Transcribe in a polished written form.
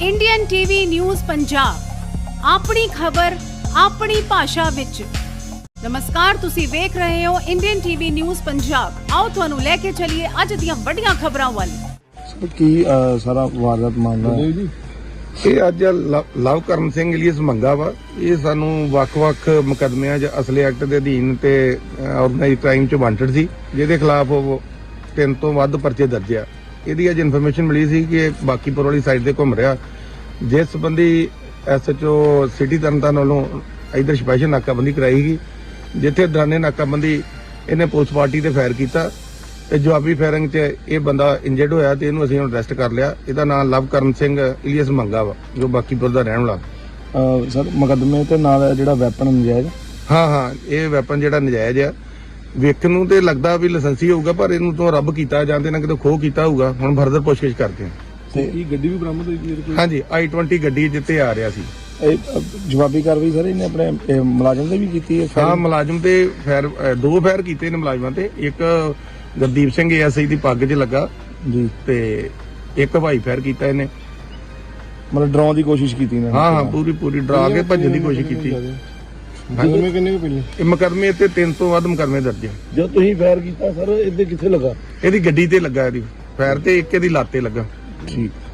Indian TV news Punjab ਆਪਣੀ ਖਬਰ ਆਪਣੀ ਭਾਸ਼ਾ ਵਿੱਚ। ਨਮਸਕਾਰ, ਤੁਸੀਂ ਵੇਖ ਰਹੇ ਹੋ ਇੰਡੀਅਨ ਟੀਵੀ ਨਿਊਜ਼ ਪੰਜਾਬ। ਆਓ ਤੁਹਾਨੂੰ ਲੈ ਕੇ ਚੱਲੀਏ ਅੱਜ ਦੀਆਂ ਵੱਡੀਆਂ ਖਬਰਾਂ ਵੱਲ। ਕੀ ਸਾਰਾ ਵਾਰਦਾਤ ਮਾਮਲਾ ਹੈ ਜੀ? ਇਹ ਅੱਜ ਲਵਕਰਨ ਸਿੰਘ ਇਲੀਅਸ ਮੰਗਾ ਵਾ। ਇਹ ਸਾਨੂੰ ਵੱਖ-ਵੱਖ ਮੁਕੱਦਮਿਆਂ 'ਚ ਅਸਲੇ ਐਕਟ ਦੇ ਅਧੀਨ ਤੇ ਆਰਗੇਨਾਈਜ਼ਡ ਕ੍ਰਾਈਮ 'ਚ ਵਾਂਟਡ ਸੀ, ਜਿਹਦੇ ਖਿਲਾਫ ਉਹ 3 ਤੋਂ ਵੱਧ ਪਰਚੇ ਦਰਜ ਆ। ਇਹਦੀ ਅੱਜ ਇਨਫੋਰਮੇਸ਼ਨ ਮਿਲੀ ਸੀ ਕਿ ਇਹ ਬਾਕੀਪੁਰ ਵਾਲੀ ਸਾਈਡ ਤੇ ਘੁੰਮ ਰਿਹਾ, ਜਿਸ ਸੰਬੰਧੀ ਐਸਐਚਓ ਸਿਟੀ ਤਰਨਤਾਰਨ ਵੱਲੋਂ ਇਧਰ ਸਪੈਸ਼ਲ ਨਾਕਾਬੰਦੀ ਕਰਾਈ ਗਈ, ਜਿੱਥੇ ਦੌਰਾਨੇ ਨਾਕਾਬੰਦੀ ਇਹਨੇ ਪੁਲਿਸ ਪਾਰਟੀ ਤੇ ਫਾਇਰ ਕੀਤਾ ਤੇ ਜਵਾਬੀ ਫਾਇਰਿੰਗ 'ਚ ਇਹ ਬੰਦਾ ਇੰਜਰਡ ਹੋਇਆ ਤੇ ਇਹਨੂੰ ਅਸੀਂ ਹੁਣ ਅਰੈਸਟ ਕਰ ਲਿਆ। ਇਹਦਾ ਨਾਮ ਲਵਕਰਨ ਸਿੰਘ ਇਲੀਅਸ ਮੰਗਾ ਵਾ, ਜੋ ਬਾਕੀਪੁਰ ਦਾ ਰਹਿਣ ਵਾਲਾ। ਸਰ ਮੁਕੱਦਮੇ ਤੇ ਨਾਲ ਜਿਹੜਾ ਵੈਪਨ ਨਜਾਇਜ਼? ਹਾਂ, ਇਹ ਵੈਪਨ ਜਿਹੜਾ ਨਜਾਇਜ਼ ਆ, ਵੇਖਣ ਨੂੰ ਤੇ ਲੱਗਦਾ ਵੀ ਲਾਇਸੈਂਸੀ ਹੋਊਗਾ, ਪਰ ਇਹਨੂੰ ਤੋਂ ਰੱਬ ਕੀਤਾ ਜਾਂ ਤੇ ਨਾ ਕਿਤੇ ਖੋਹ ਕੀਤਾ ਹੋਊਗਾ। ਹੁਣ ਫਰਦਰ ਪੁੱਛਗਿੱਛ ਕਰਦੇ ਹਾਂ। ਤੇ ਇਹ ਗੱਡੀ ਵੀ ਬਰਾਮਦ ਹੋਈ? ਹਾਂਜੀ, i20 ਗੱਡੀ ਜਿੱਤੇ ਆ ਰਿਹਾ ਸੀ। ਇਹ ਜਵਾਬੀ ਕਾਰਵਾਈ ਸਰ ਇਹਨੇ ਆਪਣੇ ਮੁਲਾਜ਼ਮ ਤੇ ਵੀ ਕੀਤੀ ਹੈ? ਹਾਂ, ਮੁਲਾਜ਼ਮ ਤੇ ਫਾਇਰ 2 ਫਾਇਰ ਕੀਤੇ ਨੇ ਮੁਲਾਜ਼ਮਾਂ ਤੇ। ਇੱਕ ਗੁਰਦੀਪ ਸਿੰਘ ਐਸਆਈ ਦੀ ਪੱਗ 'ਚ ਲੱਗਾ ਜੀ, ਤੇ ਇੱਕ ਹਵਾਈ ਫਾਇਰ ਕੀਤਾ ਇਹਨੇ। ਮਤਲਬ ਡਰਾਉਣ ਦੀ ਕੋਸ਼ਿਸ਼ ਕੀਤੀ ਨੇ? ਹਾਂ, ਪੂਰੀ ਡਰਾ ਕੇ ਭੱਜਣ ਦੀ ਕੋਸ਼ਿਸ਼ ਕੀਤੀ। ਕਿੰਨੇ ਪਹਿਲੇ ਇਹ ਮੁਕੱਦਮੇ ਤੇ 3 ਤੋਂ ਵੱਧ ਮੁਕੱਦਮੇ ਦਰਜ ਆ। ਜਦ ਤੁਸੀਂ ਫਾਇਰ ਕੀਤਾ ਸਰ ਇਹਦੇ ਕਿੱਥੇ ਲੱਗਾ? ਇਹਦੀ ਗੱਡੀ ਤੇ ਲੱਗਾ, ਇਹਦੀ ਫਾਇਰ ਤੇ ਇੱਕ ਇਹਦੀ ਲੱਤ ਤੇ ਲੱਗਾ। ਠੀਕ।